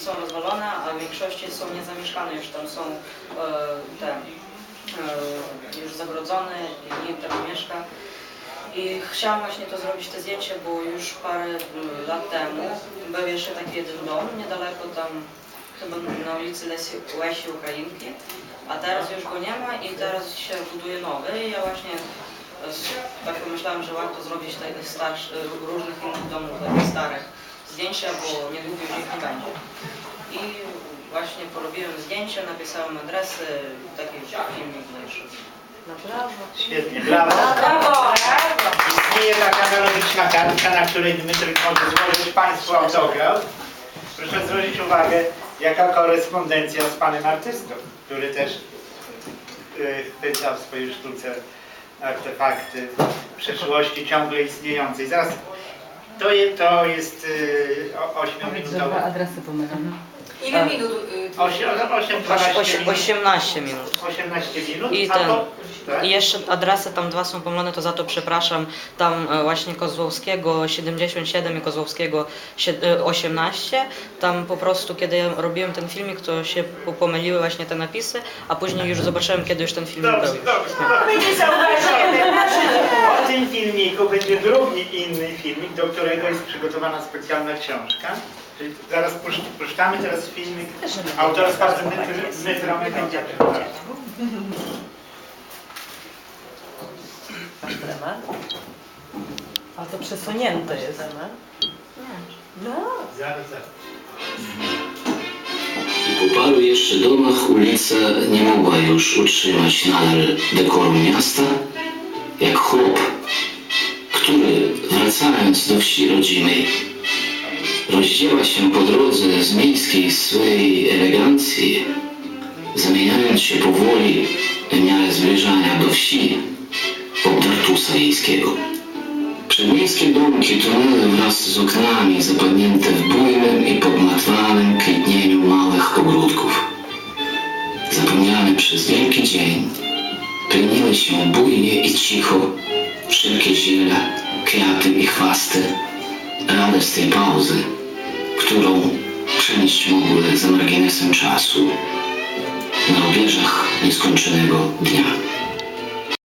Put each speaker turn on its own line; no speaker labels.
są rozwalone, a w większości są niezamieszkane, już tam są już zagrodzone i nikt tam nie mieszka. I chciałam właśnie to zrobić, te zdjęcie, bo już parę lat temu był jeszcze taki jeden dom niedaleko tam, chyba na ulicy Łesi Ukrainki, a teraz już go nie ma i teraz się buduje nowy. I ja właśnie tak pomyślałam, że warto zrobić takich różnych innych domów, takich starych zdjęcia, bo niedługo już ich nie będzie. I właśnie porobiłem zdjęcie, napisałem adresy, taki filmik mniejszy.
No brawo.
Świetnie, brawo.
Brawo.
Istnieje taka analogiczna kartka, na której Dmytryk może złożyć Państwu autograf. Proszę zwrócić uwagę, jaka korespondencja z panem artystą, który też chwyta w swojej sztuce artefakty przeszłości ciągle istniejącej. Zaraz, to jest 8-minutowe.
Adresy pomylę.
Ile minut?
18 minut.
18 minut.
I
tak?
i jeszcze adresy tam dwa są pomylone, to za to przepraszam. Tam właśnie Kozłowskiego 77 i Kozłowskiego 18. Tam po prostu, kiedy ja robiłem ten filmik, to się pomyliły właśnie te napisy, a później już zobaczyłem, kiedy już ten filmik był.
My nie zauważymy. Po tym filmiku będzie drugi inny filmik, do którego jest przygotowana specjalna książka. Czyli zaraz puszczamy teraz filmik autorstwa Dmytra Mychajczaka.
A to przesunięte jest. No.
Zaraz.
Po paru jeszcze domach ulica nie mogła już utrzymać nadal dekoru miasta, jak chłop, który wracając do wsi rodzimej rozdziewa się po drodze z miejskiej swej elegancji, zamieniając się powoli w miarę zbliżania do wsi w obdartusa wiejskiego. Przedmiejskie domki tonęły wraz z oknami zapadnięte w bujnym i podmatwanym kwitnieniu małych ogródków. Zapomniane przez wielki dzień, pleniły się bujnie i cicho wszelkie ziele, kwiaty i chwasty, rane z tej pauzy, którą przenieść mogły za marginesem czasu na rubieżach nieskończonego dnia.